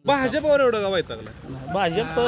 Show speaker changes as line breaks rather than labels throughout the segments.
भाजपवर एवढं का वैतागला?
भाजप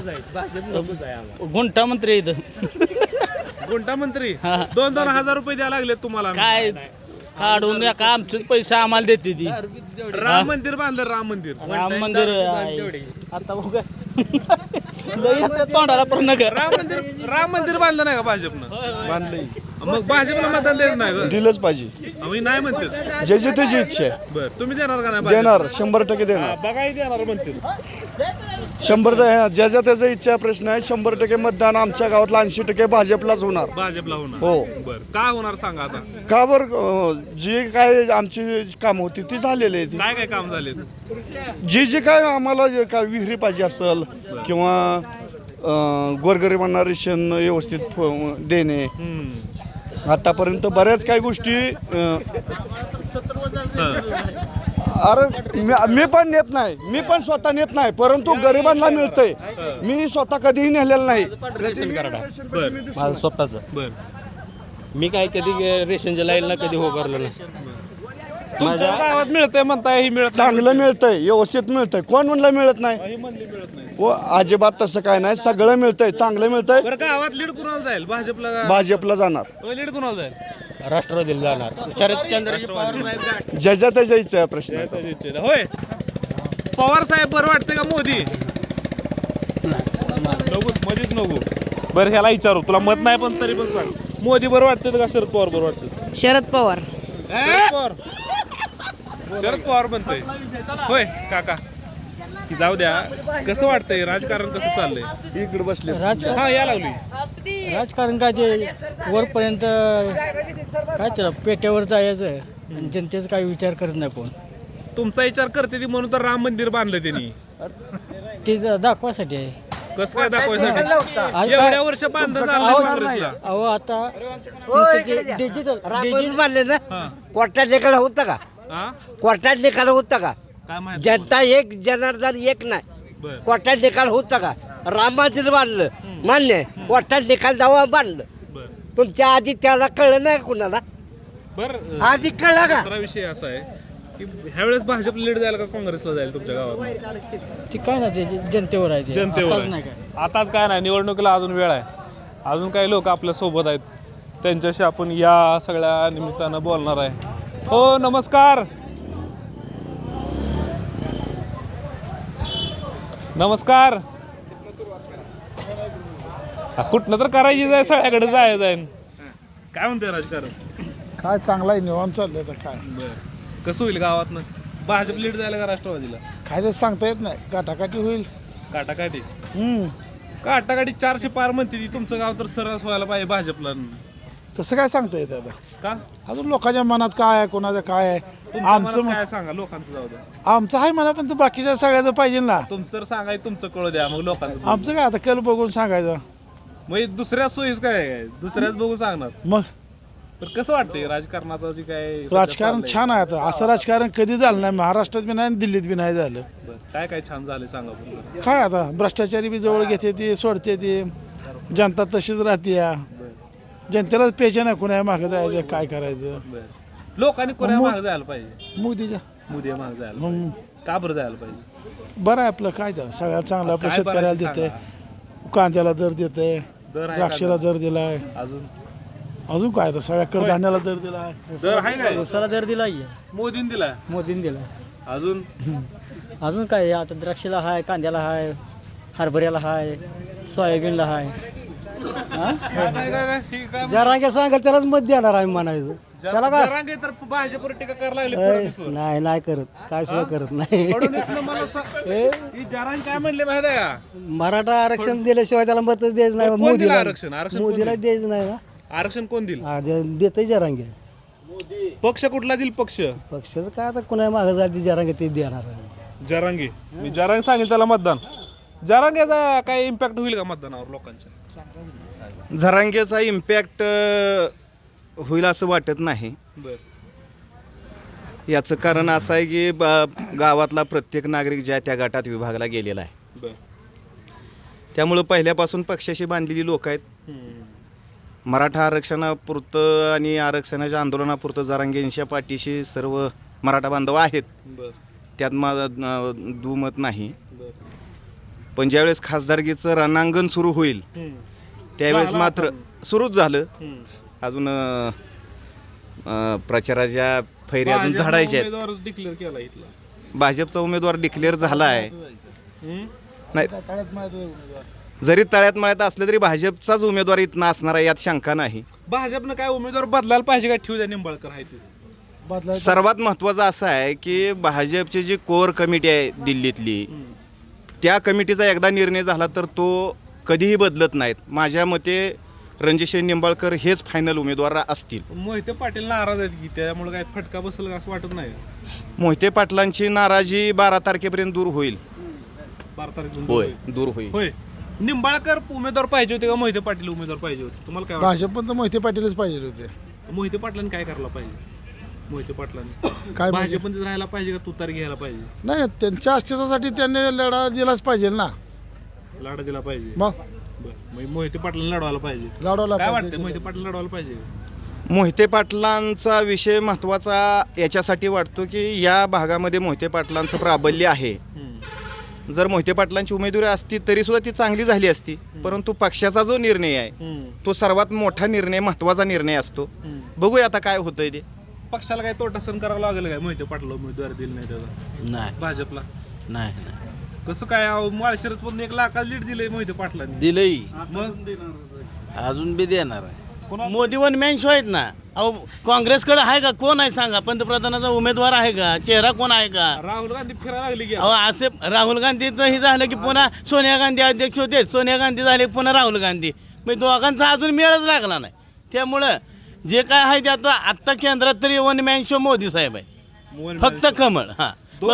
गुंठा मंत्री आहे इथं.
कोणता मंत्री 2,000 रुपये द्यायला लागले तुम्हाला?
काय काढून का आमचेच पैसे आम्हाला देते ती.
राम मंदिर बांधलं, राम मंदिर.
राम मंदिर आहे. आता बघा लई येतं तोंडाला पण नगर.
राम मंदिर बांधलं नाही का भाजपनं?
बांधलंय.
मग भाजपला मतदान द्यायचं नाही का?
दिलंच पाहिजे.
आम्ही नाही म्हणते.
ज्याची त्याची इच्छा आहे.
बरं, तुम्ही देणार का नाही?
देणार 100% देणार.
बघाय देणार म्हणते.
100% ज्याच्या त्याचा इच्छा प्रश्न आहे. 100% मतदान आमच्या गावातला 80% भाजपलाच होणार.
भाजपला होणार.
हो.
बरं, का होणार सांगा आता?
का बरं जी काय आमची काम होती ती झालेली आहे.
काय काय काम झाले?
जी काय आम्हाला जे काय विहिरी पाहिजे असेल किंवा गोरगरिबांना रेशन व्यवस्थित देणे, आतापर्यंत बऱ्याच काही गोष्टी अरे मी पण नेत नाही, मी पण स्वतः नेत नाही, परंतु गरिबांना मिळतंय. मी स्वतः कधीही नेलेलं नाही.
रेशन कार्ड आहे
बरं
माझं स्वतःचं.
बरं.
मी काय कधी रेशनच्या लाईनला कधी हो करलो नाही.
तुमच्या गावात मिळतंय म्हणताय, ही मिळत
चांगलं मिळतंय, व्यवस्थित मिळतंय. कोण म्हणलं मिळत नाही? हो, अजिबात तसं काय नाही. सगळं मिळतंय, चांगलं मिळतंय.
बरं, गावात लीड कुणाला जाईल? भाजपला?
भाजपला जाणार.
लीड कुणाला जाईल?
राष्ट्रवादीला जाणार. शरदचंद्र पवार
ज्याच्या त्याच्या इच्छा आहे प्रश्न.
होय, पवार साहेब बरं वाटते का मोदी? नको मध्येच नको. बरं, ह्याला विचारू, तुला मत नाही पण तरी पण सांग, मोदी बरं वाटते का शरद पवार बरं वाटते?
शरद पवार.
शरद पवार. शरद पवार म्हणतोय. होय काका, की जाऊ द्या. कसं वाटतंय राजकारण, कसं चाललंय?
इकडे बसले.
हा, या लागली.
राजकारण काय ते वरपर्यंत काय त्याला पेट्यावर जायचं आणि जनतेचा काही विचार करत नाही कोण.
तुमचा विचार करते ती म्हणून तर राम मंदिर बांधलं त्यांनी.
ते दाखवासाठी आहे.
कसं काय दाखवायसाठी?
आज
एवढ्या
काय-
वर्ष बांधलं
अहो,
काँग्रेसला.
अहो आता डिजिटल
मानले ना.
हा.
कोर्टात निकाल होता का?
हा?
कोर्टात निकाल होता का?
काय माहिती?
जनता एक, जनार्दन एक नाही.
बरं.
कोर्टात निकाल होता का? राम मंदिर बांधलं मान्य आहे. कोर्टात निकाल दावा बांधलं.
बरं.
तुमच्या आधी त्याला कळलं नाही कुणाला?
बरं,
आधी कळलं का?
दुसरा विषय असा आहे की ह्यावेळेस भाजप लीड जाईल का काँग्रेसला जाईल तुमच्या गावात?
ते काय ना ते जनतेवर आहे ते.
जनतेवर
आताच
आहे.
नाही काय.
आताच काय नाही, निवडणुकीला अजून वेळ आहे. अजून काही लोक आपल्या सोबत आहेत, त्यांच्याशी आपण या सगळ्या निमित्तानं बोलणार आहे. हो, नमस्कार. नमस्कार. कुठनं तर करायची जाय, सगळ्याकडे जायचं आहे. काय म्हणते राजकारण?
काय चांगला आहे, निवांत चाललंय तर काय.
कसं होईल गावातनं? भाजप लीड जायला का राष्ट्रवादीला?
काय ते सांगता येत नाही, काटाकाटी होईल.
काटाकाटी. काटाकाटी 400 पार म्हणते ती. तुमचं गाव तर सरस व्हायला पाहिजे भाजपला.
तसं काय सांगता येत आता?
का?
अजून लोकांच्या मनात काय आहे, कोणाचं काय आहे.
तुमच्या
आमचं
मनात काय सांगा, लोकांचं जाऊ द्या.
आमचं आहे म्हणा, पण बाकीच्या सगळ्याचं पाहिजे ना.
तुमचं तर सांगाय, तुमचं कळू द्या, मग लोकांचं बघू.
आमचं काय आता कल बघून सांगायचं.
मग दुसऱ्या सोयीस काय आहे? दुसऱ्याच बघून सांगणार.
मग
तर कसं वाटतंय राजकारणाचं जे काय
राजकारण छान आहे आता. असं राजकारण कधी झालं नाही, महाराष्ट्रात बी नाही, दिल्लीत बी नाही झालं.
काय काय छान झाले सांगा बरं.
काय आता भ्रष्टाचारी बी जवळ घेते ती, सोडते ती. जनता तशीच राहते या. जनतेलाच पेचे नाही, कुणा मागं जायचं, काय करायचं.
लोकांनी कोणा मागे जायला पाहिजे?
मोदीच्या
मोदी मागे जायला पाहिजे. का बरं जायला पाहिजे?
बरं आहे आपलं. काय त्याला सगळ्यात चांगलं आपलं
काय
शेतकऱ्याला
बरं आहे
देते, कांद्याला दर देते,
दर आहे का?
द्राक्षाला दर दिलाय.
अजून
काय आता सगळ्या कडधान्याला दर दिलाय.
दर आहे काय?
उसाला दर दिलाय,
मोदीने दिला.
मोदीने दिला.
अजून
अजून काय आता द्राक्षाला हाय, कांद्याला हाय, हरभऱ्याला हाय, सोयाबीनला हाय.
जरांगे सांगाल त्यालाच मत देणार आहे म्हणायचं. त्याला काय
जरांगे तर भाजपवर टीका करायला लागले फडणवीसवर.
नाही करत, काय सुद्धा करत नाही.
फडणवीसनं मला ही जरांगे काय म्हणले माहिती आहे का?
मराठा आरक्षण दिल्याशिवाय त्याला मत द्यायचं नाही.
कोण दिलं
मोदीला
आरक्षण? आरक्षण कोण
मोदीला
दिलं?
द्यायचं नाही ना.
आरक्षण कोण दिलं?
देतही जरांगे.
पक्ष कुठला दिल? पक्ष
पक्षाचं काय आता कुणा मागं जाती जरांगे ते देणार आहे.
जरांगे. मी जरांगे सांगेल त्याला मतदान. जरांगेचा काय इम्पॅक्ट होईल का मतदानावर लोकांच्या?
झरांगेचा इम्पॅक्ट होईल असं वाटत नाही.
बर.
याचं कारण असं आहे की गावातला प्रत्येक नागरिक ज्या त्या गटात विभागला गेलेला आहे.
बर.
त्यामुळं पहिल्यापासून पक्षाशी बांधलेली लोक आहेत. मराठा आरक्षणापुरतं आणि आरक्षणाच्या आंदोलनापुरतं जरांगेंच्या पाठीशी सर्व मराठा बांधव आहेत.
बर.
त्यात माझं दुमत नाही. पण ज्यावेळेस खासदारकीचं रणांगण सुरू होईल त्यावेळेस मात्र सुरूच झालं. अजून प्रचाराच्या फैरी अजून झाडायच्या आहेत.
उमेदवारच डिक्लेअर केला इथला.
भाजपचा उमेदवार डिक्लेअर झाला आहे. नाही जरी तळ्यात मळ्यात असलं तरी भाजपचाच उमेदवार इथं असणार आहे यात शंका नाही.
भाजपनं काय उमेदवार बदलायला पाहिजे काय ठेवू द्या निंबाळकर आहे तेच.
सर्वात महत्त्वाचं असं आहे की भाजपची जी कोर कमिटी आहे दिल्लीतली त्या कमिटीचा एकदा निर्णय झाला तर तो कधीही बदलत नाहीत. माझ्या मते रणजितसिंह निंबाळकर हेच फायनल उमेदवार असतील.
मोहिते पाटील नाराज आहेत की त्यामुळे काय फटका बसेल असं वाटत नाही.
मोहिते पाटलांची नाराजी 12 तारखेपर्यंत दूर होईल.
12 तारखेला
होय दूर होईल.
होय. निंबाळकर उमेदवार पाहिजे होते का मोहिते पाटील उमेदवार पाहिजे होते तुम्हाला काय
भाजप पण तर मोहिते पाटीलच पाहिजे होते.
वाटतं? मोहिते पाटलांनी काय करायला पाहिजे? मोहिते पाटलांनी
काय
भाजपमध्ये राहायला पाहिजे का तुतार घ्यायला पाहिजे?
नाही त्यांच्या अस्तित्वासाठी त्यांनी लढा दिलाच पाहिजे ना.
लढा दिला पाहिजे.
मग
मग मोहिते पाटलांना लढवायला पाहिजे.
लढवला
काय वाटतं मोहिते पाटील लढवायला पाहिजे?
मोहिते पाटलांचा विषय महत्त्वाचा याच्यासाठी वाटतो की या भागामध्ये मोहिते पाटलांचं प्राबल्य आहे. जर मोहिते पाटलांची उमेदवारी असती तरी सुद्धा ती चांगली झाली असती. परंतु पक्षाचा जो निर्णय आहे तो सर्वात मोठा निर्णय महत्त्वाचा निर्णय असतो. बघूया आता काय होतंय ते.
पक्षाला काय तोटा सहन करावा लागेल काय मोहिते पाटला उमेदवारी दिली नाही त्याचा
नाही
भाजपला?
नाही
कसं काय माळशिरस पण 1 लाखाला लीड दिलंय मोहिते पाटलांनी.
दिलंय
मग
अजून बी देणार आहे.
मोदी वन मॅन शो आहेत ना. अहो काँग्रेसकडे आहे का? कोण आहे सांगा? पंतप्रधानाचा उमेदवार आहे का? चेहरा कोण आहे का?
राहुल गांधी फिरायला लागली की
अहो असे राहुल गांधीचं हे झालं की पुन्हा सोनिया गांधी अध्यक्ष होते. सोनिया गांधी झाले पुन्हा राहुल गांधी. मग दोघांचा अजून मेळच लागला नाही. त्यामुळं जे काय आहे ते आत्ता केंद्रात तरी वन मॅन शो मोदी साहेब आहे. फक्त कमळ. हां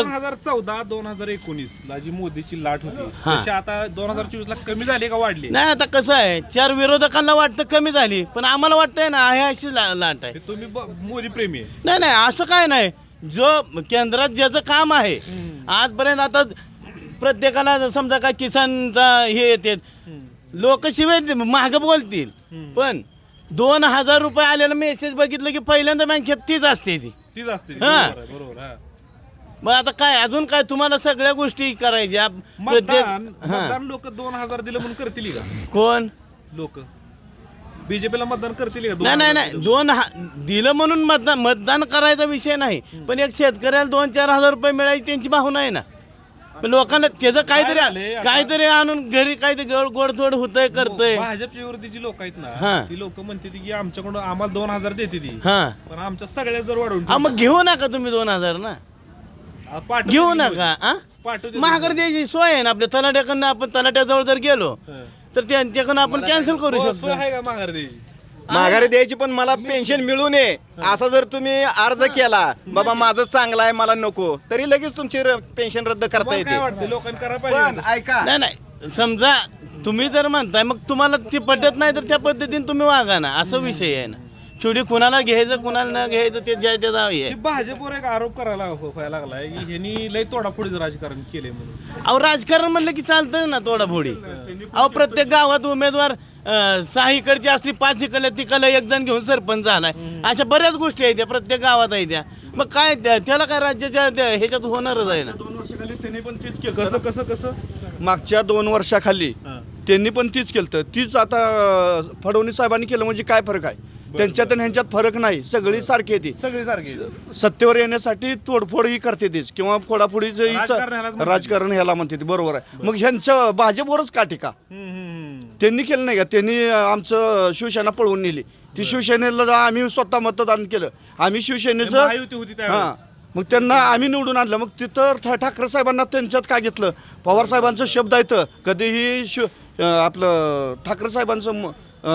2014-2019 ला जी मोदीची लाट होती तशी आता 2024 ला कमी झाली का वाढली?
नाही आता कसं आहे 4 विरोधकांना वाटतं कमी झाली पण आम्हाला वाटतंय ना आहे अशी लाट आहे.
तुम्ही मोदी प्रेमी आहे?
नाही नाही असं काय नाही. जो केंद्रात ज्याचं काम आहे आजपर्यंत आता प्रत्येकाला समजा काय किसानचा हे येते लोक शिवाय महाग बोलतील पण 2000 रुपये आलेला मेसेज बघितलं की पहिल्यांदा बँकेत तीच असते ती.
तीच असते.
हां.
बरोबर. हा.
मग आता काय अजून काय तुम्हाला सगळ्या गोष्टी करायच्या
मतदान लोक 2000 दिलं म्हणून करतील का?
कोण
लोक बीजेपीला मतदान करतील का?
नाही नाही नाही दिलं म्हणून मतदान करायचा विषय नाही पण एक शेतकऱ्याला 2-4 हजार रुपये मिळायची त्यांची भावना आहे ना. पण लोकांना त्याचं काहीतरी आणून घरी काहीतरी गोडथोड होतंय करतंय.
भाजपच्या विरोधीची लोक आहेत ना
हां.
ती लोक म्हणते की आमच्याकडून आम्हाला 2000 देते ती
हां
पण आमच्या सगळ्या जर वाढवून
मग घेऊ नका तुम्ही 2000 ना. घेऊ नका. महागार द्यायची सोय आहे ना आपल्या तलाट्याकडनं. आपण तलाट्याजवळ जर गेलो तर त्यांच्याकडनं आपण कॅन्सल करू शकतो.
आहे का माघार द्यायची?
माघारी द्यायची पण मला पेन्शन मिळू नये असा जर तुम्ही अर्ज केला बाबा माझं चांगलं आहे मला नको तरी लगेच तुमची पेन्शन रद्द करता
काय
येते.
वाटतं लोकांनी करायला
पण
पाहिजे?
ऐका
नाही नाही समजा तुम्ही जर म्हणताय मग तुम्हाला ती पटत नाही तर त्या पद्धतीने तुम्ही वागा ना. असं विषय आहे ना. शेवटी कुणाला घ्यायचं कुणाला न घ्यायचं ते ज्या त्याचा आहे.
की भाजपवर एक आरोप करायला व्हायला लागलाय की ह्यांनी लय तोडाफोडीचं राजकारण केलंय म्हणून.
अहो राजकारण म्हणलं की चालतं ना तोडाफोडी. अहो प्रत्येक गावात उमेदवार 6 इकडची असली 5 इकडल्या तिकडला एक जण घेऊन सरपंच झालाय. अशा बऱ्याच गोष्टी आहेत त्या प्रत्येक गावात आहे त्या. मग काय त्याला काय राज्याच्या ह्याच्यात होणारच आहे ना.
2 वर्षाखाली त्यांनी पण तीच केलं.
कसं
मागच्या 2 वर्षाखाली त्यांनी पण तीच केलं. तीच आता फडणवीस साहेबांनी केलं म्हणजे काय फरक आहे? त्यांच्यात आणि ह्यांच्यात फरक नाही. सगळी सारखी येते.
सगळी सारखी
सत्तेवर येण्यासाठी तोडफोड ही करते तीच किंवा फोडाफोडीचं
राजकारण
राजकारण ह्याला म्हणते ती. बरोबर आहे. मग ह्यांचं भाजपवरच का टीका त्यांनी केलं नाही का? त्यांनी आमचं शिवसेना पळवून नेली. ती शिवसेनेला आम्ही स्वतः मतदान केलं. आम्ही शिवसेनेचं
महायुती होती त्यावेळेस.
हां मग त्यांना आम्ही निवडून आणलं. मग तिथं ठाकरे साहेबांना त्यांच्यात काय घेतलं? पवार साहेबांचं शब्द येतं कधीही आपलं ठाकरे साहेबांचं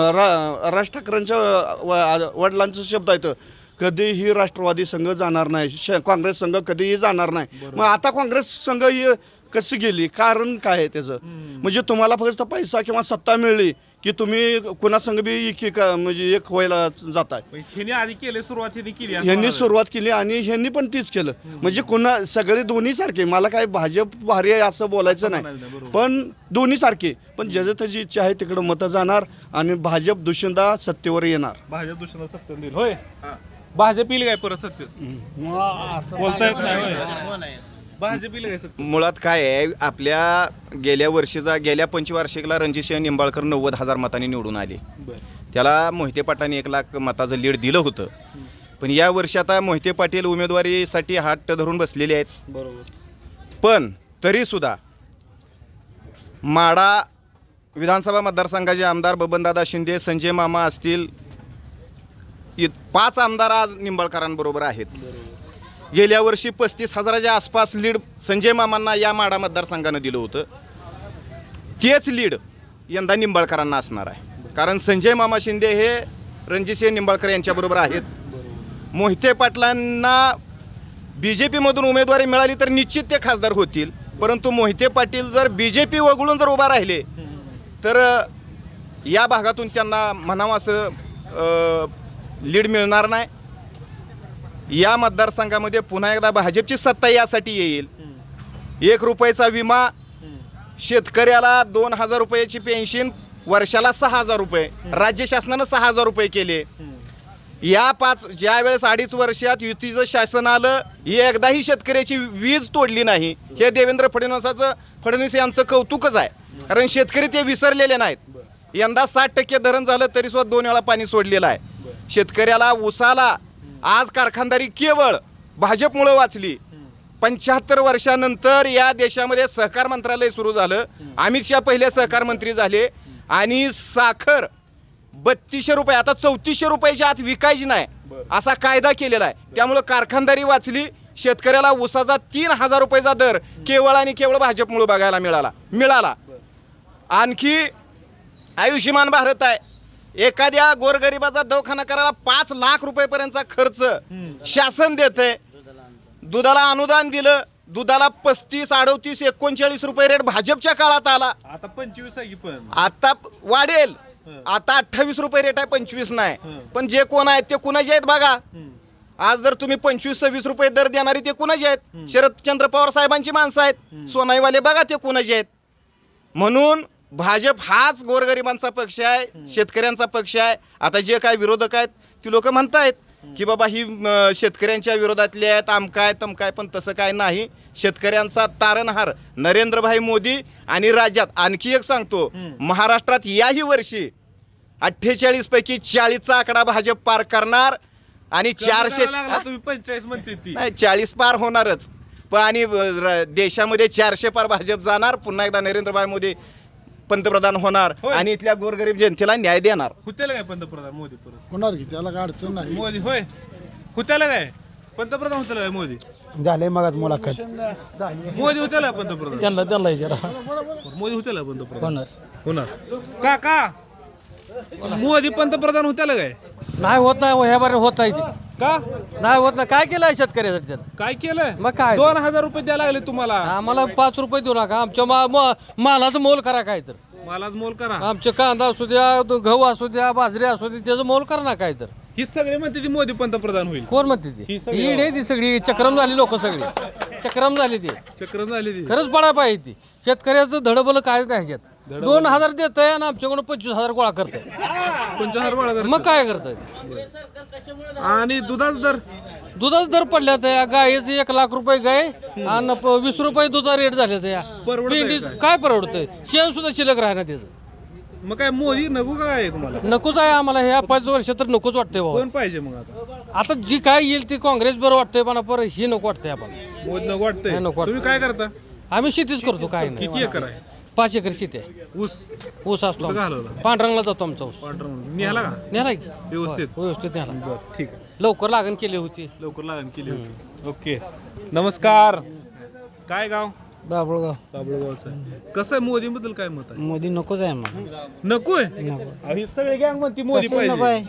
राज ठाकरेंच्या वडिलांचं शब्द येतं कधीही राष्ट्रवादी संघ जाणार नाही. काँग्रेस संघ कधीही जाणार नाही. मग आता काँग्रेस संघ कशी गेली? कारण काय आहे त्याचं? म्हणजे तुम्हाला फक्त पैसा किंवा सत्ता मिळली की तुम्ही कुणासंग बी म्हणजे एक व्हायला जाताय.
ह्यांनी आधी केले सुरुवात केली
ह्यांनी सुरुवात केली आणि ह्यांनी पण तीच केलं. म्हणजे सगळे दोन्ही सारखे. मला काय भाजप भारी आहे असं बोलायचं नाही पण दोन्ही सारखे. पण ज्याचं त्याची इच्छा आहे तिकडं मतं जाणार आणि भाजप दुसऱ्यांदा सत्तेवर येणार.
भाजप दुसऱ्यांदा सत्तेवर येईल. होय भाजप येईल काय परत सत्तेत? बोलता येत नाही. भाजपीला काय सत्ता?
मुळात काय आहे, आपल्या गेल्या पंचवार्षिकला रणजितसिंह निंबाळकर 90,000 मतांनी निवडून आले. त्याला मोहिते पाटलांनी 1 लाख मताचं लीड दिलं होतं. पण या वर्षी आता मोहिते पाटील उमेदवारीसाठी हात धरून बसलेले आहेत.
बरोबर.
पण तरीसुद्धा माढा विधानसभा मतदारसंघाचे आमदार बबनदादा शिंदे, संजय मामा असतील, 5 आमदार आज निंबाळकरांबरोबर आहेत. गेल्या वर्षी 35,000च्या आसपास लीड संजय मामांना या माढा मतदारसंघानं दिलं होतं. तेच लीड यंदा निंबाळकरांना असणार आहे. कारण संजय मामा शिंदे हे रणजितसिंह निंबाळकर यांच्याबरोबर आहेत. मोहिते पाटलांना BJPमधून उमेदवारी मिळाली तर निश्चित ते खासदार होतील. परंतु मोहिते पाटील जर BJP वगळून जर उभा राहिले तर या भागातून त्यांना म्हणावं असं लीड मिळणार नाही. या मतदारसंघामध्ये पुन्हा एकदा भाजपची सत्ता यासाठी येईल. 1 रुपयाचा विमा, शेतकऱ्याला 2,000 रुपयाची पेन्शन, वर्षाला 6,000 रुपये, राज्य शासनानं 6,000 रुपये केले. या ज्यावेळेस 2.5 वर्षात युतीचं शासन आलं, एकदाही शेतकऱ्याची वीज तोडली नाही. हे देवेंद्र फडणवीस यांचं कौतुकच आहे. कारण शेतकरी ते विसरलेले नाहीत. यंदा 60% धरण झालं तरी सुद्धा 2 वेळा पाणी सोडलेलं आहे. शेतकऱ्याला, ऊसाला आज कारखानदारी केवळ भाजपमुळं वाचली. 75 वर्षानंतर या देशामध्ये सहकार मंत्रालय सुरू झालं. अमित शहा पहिले सहकार मंत्री झाले आणि साखर 3200 रुपये, आता 3400 रुपयाच्या आत विकायची नाही असा कायदा केलेला आहे. त्यामुळं कारखानदारी वाचली. शेतकऱ्याला ऊसाचा 3,000 रुपयाचा दर केवळ आणि केवळ भाजपमुळे बघायला मिळाला. आणखी आयुष्यमान भारत आहे. एखाद्या गोरगरिबाचा दवाखाना करायला 5 लाख रुपयेपर्यंतचा खर्च शासन देते. दुधाला अनुदान दिलं. दुधाला 35, 38, 39 रुपये रेट भाजपच्या काळात आला.
आता 25 आहे की पण
आता वाढेल. आता 28 रुपये रेट आहे, 25 नाही. पण जे कोण आहेत ते कुणाचे आहेत बघा. आज जर तुम्ही 25-26 रुपये दर देणारी ते कुणाचे आहेत? शरदचंद्र पवार साहेबांची माणसं आहेत. सोनाईवाले बघा ते कुणाचे आहेत. म्हणून भाजप हाच गोरगरिबांचा पक्ष आहे, शेतकऱ्यांचा पक्ष आहे. आता जे काय विरोधक आहेत ती लोक म्हणतायत की बाबा ही शेतकऱ्यांच्या विरोधातले आहेत, आमकाय तमकाय. पण तसं काय नाही. शेतकऱ्यांचा तारणहार नरेंद्रभाई मोदी. आणि राज्यात आणखी एक सांगतो, महाराष्ट्रात याही वर्षी 48 पैकी 40चा आकडा भाजप पार करणार. आणि 400
तुम्ही 45 म्हणते ती
नाही, 40 पार होणारच. पण आणि देशामध्ये 400 पार भाजप जाणार. पुन्हा एकदा नरेंद्रभाई मोदी पंतप्रधान होणार आणि इथल्या गोरगरीब जनतेला न्याय देणार.
हुत्याला काय पंतप्रधान मोदी परत
होणार की त्याला काय अडचण नाही.
मोदी होय हुत्याला काय पंतप्रधान होत्याला काय मोदी
झाले मग मुलाखत
मोदी होत्याला पंतप्रधान
त्यांना विचारा
मोदी होत्याला पंतप्रधान
होणार
होणार का मोदी पंतप्रधान होत्याला काय
नाही होत नाही ह्या बारे होत आहे
का
नाही होत नाही. काय केलंय शेतकऱ्यासाठी त्यानं?
काय केलंय
मग काय?
2,000 रुपये द्यायला लागले तुम्हाला
आम्हाला 5 रुपये देऊ नका. आमच्या मालाचं मोल करा काय तर.
मलाच मोल करा.
आमचे कांदा असू द्या, गहू असू द्या, बाजरी असू द्या, त्याचं मोल करा ना काय तर.
ही सगळे म्हणते ती मोदी पंतप्रधान होईल.
कोण म्हणते
ही
ती?
सगळी
ईड आहे ती सगळी. चक्रम झाली लोक सगळी. चक्रम झाली ती.
चक्र झाली ती
खरंच पडायला पाहिजे ती. शेतकऱ्याचं धडबल काय नाही ह्याच्यात. 2,000 देत आहे आणि आमच्याकडून 25,000 गोळा करताय.
25,000 गोळा करतात.
मग काय करताय?
आणि दुधाचा दर
दुधाचा दर पडल्यात या. गायीचं 1 लाख रुपये गाय आणि 20 रुपये दुधा रेट झाले त्या.
परवडतंय
पिंडी
काय?
काय परवडतंय? शेण सुद्धा शिल्लक राहणार त्याचं.
मग काय मोदी नको काय तुम्हाला
नकोच आहे आम्हाला. ह्या 5 वर्ष तर नकोच वाटतंय बाबा.
कोण पाहिजे मग आता
आता जी काय येईल ती काँग्रेस बरं वाटतंय पण परत ही नको वाटतंय आपण.
मोदी नको वाटतंय.
नाही, नको वाटतंय.
तुम्ही काय करता
आम्ही शेतीच करतो. काय नाही.
किती एकर आहे
5 एकर शेती आहे. ऊस असतो.
कुठं घालवला?
पांढरंगला जातो आमचा ऊस.
निघाला का
नेला की
व्यवस्थित
व्यवस्थित नेला.
बरं ठीक आहे
लवकर लागण केली होती.
लवकर लागण केली होती. ओके नमस्कार. काय गाव
बाबळगाव.
बाबळगावचं आहे. कसं आहे मोदी बद्दल काय मत आहे?
मोदी नकोच आहे आम्हाला.
नकोय ही सगळे गँग म्हणते मोदी पाहिजे.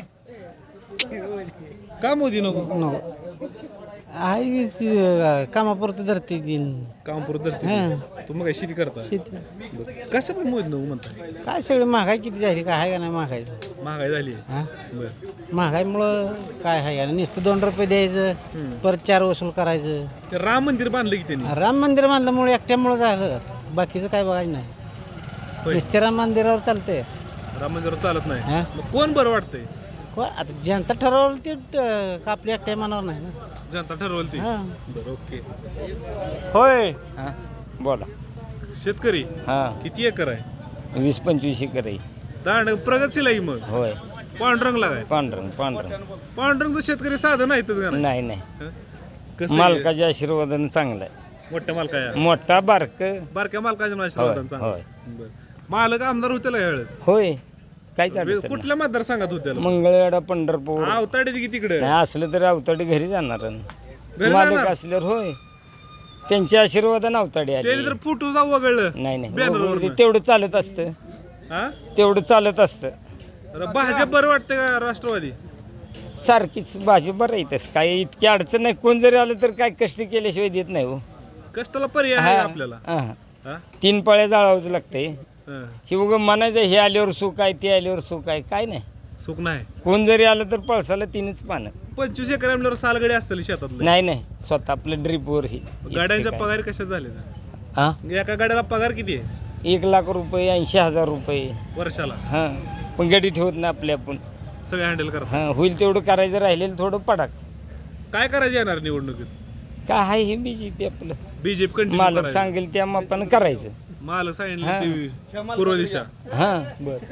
का मोदी नको?
आहे ती कामापुरती धरते ती.
कामपुरत धरते. तुम्ही काय शेती करता?
शेती
कसं पण मोदी नको म्हणताय?
काय सगळी महागाई किती झाली काय आहे का नाही महागाई?
महागाई झाली
हा
बरं.
महागाईमुळं काय आहे का नुसतं 2 रुपये द्यायचं परत 4 वसूल करायचं.
ते राम मंदिर बांधलं की त्यांनी.
राम मंदिर बांधल्यामुळे एकट्यामुळे झालं. बाकीचं काय बघायचं नाही.
होय.
नुसत्या राम मंदिरावर चालतंय.
राम मंदिरावर चालत नाही.
हा
मग कोण बरं वाटतंय?
आता जनता ठरवलं ते आपल्या एकट्या मनावर नाही ना.
जनता ठरवल ती
हां
बरं ओके होय
बोला
शेतकरी
हां
किती एकर आहे
20-25 एकर आहे
दांड प्रगतशील आहे मग
होय
पांढरंगला काय
पांढरंग
पांढरंगचं शेतकरी साधं नाहीतच का नाही?
नाही
हं? कसं आहे?
मालकाच्या आशीर्वादानं चांगलं आहे
मोठ्या मालकाया
मोठा बारक
बारक्या मालकाच्या आशीर्वादानं चांगलं.
होय.
बरं. मालक आमदार होते यावेळेस
होय काहीच अडचण नाही.
कुठल्या मतदारसंघात होते
मंगळवेढा पंढरपूर
अवताडे की तिकडे
नाही असलं तर अवताडी घरी जाणार
घरी
मालक
जाणार?
असल्यावर होय त्यांच्या आशीर्वादानं अवताडी आली
त्याने तर फुटू जाऊ वगळलं
नाही नाही
बॅनरवरनं.
वगैरे तेवढं चालत असतं
हा
तेवढं चालत असतं
अरे भाजप बरं वाटतं का राष्ट्रवादी
सारखीच भाजी बरं येतच काय इतकी अडचण नाही कोण जरी आलं तर काय कष्ट केल्याशिवाय देत नाही हो
कष्टाला पर्याय आहे
हा,
आपल्याला
हा.
हा?
3 पळ्या जाळावंच लागतंय
हा.
हे उगं म्हणायचं हे आल्यावर सुख आहे ते आल्यावर सुख आहे काय नाही
सुख नाही
कोण जरी आलं तर पळसाला 3च पानं
25 एकर आमल्यावर सालगडी असतील शेतातले
नाही नाही स्वतः आपलं ड्रीपवर ही
गाड्यांच्या पगार कशा झाले
हा
एका गाड्याला पगार किती आहे
1 लाख रुपये 80,000 रुपये
वर्षाला
हां पण गाडी ठेवत नाही आपल्या आपण
सगळे हँडल करा
हां होईल तेवढं करायचं राहिलेलं थोडं पडाक
काय करायचं येणार निवडणुकीत
काय आहे हे BJP आपलं
बीजेपी कंटिन्यू
मालक सांगेल त्या मापानं करायचं
मालक सांगितलं ती पूर्व दिशा
हां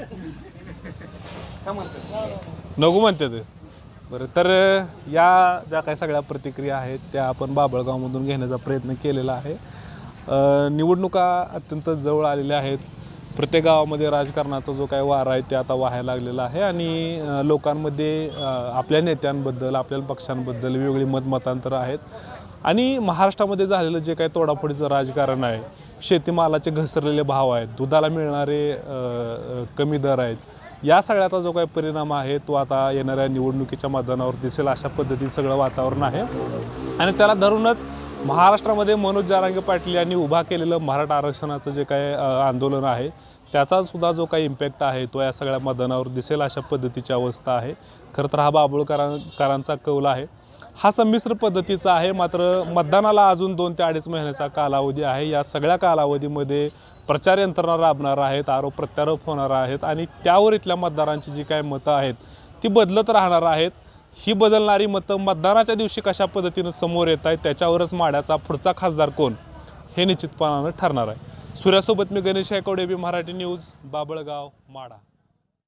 नको म्हणते ते बरं तर या ज्या काही सगळ्या प्रतिक्रिया आहेत त्या आपण बाभळगावमधून घेण्याचा प्रयत्न केलेला आहे. निवडणुका अत्यंत जवळ आलेल्या आहेत. प्रत्येक गावामध्ये राजकारणाचा जो काही वारा आहे ते आता वाहायला लागलेला आहे आणि लोकांमध्ये आपल्या नेत्यांबद्दल आपल्या पक्षांबद्दल वेगवेगळी मतमतांतरं आहेत आणि महाराष्ट्रामध्ये झालेलं जे काही तोडाफोडीचं राजकारण आहे, शेतीमालाचे घसरलेले भाव आहेत, दुधाला मिळणारे कमी दर आहेत, या सगळ्याचा जो काही परिणाम आहे तो आता येणाऱ्या निवडणुकीच्या मैदानावर दिसेल अशा पद्धतीचं सगळं वातावरण आहे आणि त्याला धरूनच महाराष्ट्रामध्ये मनोज जरांगे पाटील यांनी उभा केलेलं मराठा आरक्षणाचं जे काही आंदोलन आहे त्याचा सुद्धा जो काही इम्पॅक्ट आहे तो या सगळ्या मैदानावर दिसेल अशा पद्धतीची अवस्था आहे. खरं तर हा बाभुळकरांचा कौल आहे हा संमिश्र पद्धतीचा आहे. मात्र मतदानाला अजून 2 ते 2.5 महिन्याचा कालावधी आहे. या सगळ्या कालावधीमध्ये प्रचार यंत्रणा राबणार आहेत, आरोप प्रत्यारोप होणार आहेत आणि त्यावर इथल्या मतदारांची जी काही मतं आहेत ती बदलत राहणार आहेत. ही बदलणारी मतं मतदानाच्या दिवशी कशा पद्धतीनं समोर येत आहेत त्याच्यावरच माड्याचा पुढचा खासदार कोण हे निश्चितपणानं ठरणार आहे. सूर्यासोबत मी गणेश गायकवाड, AB मराठी न्यूज, बाभळगाव, माढा.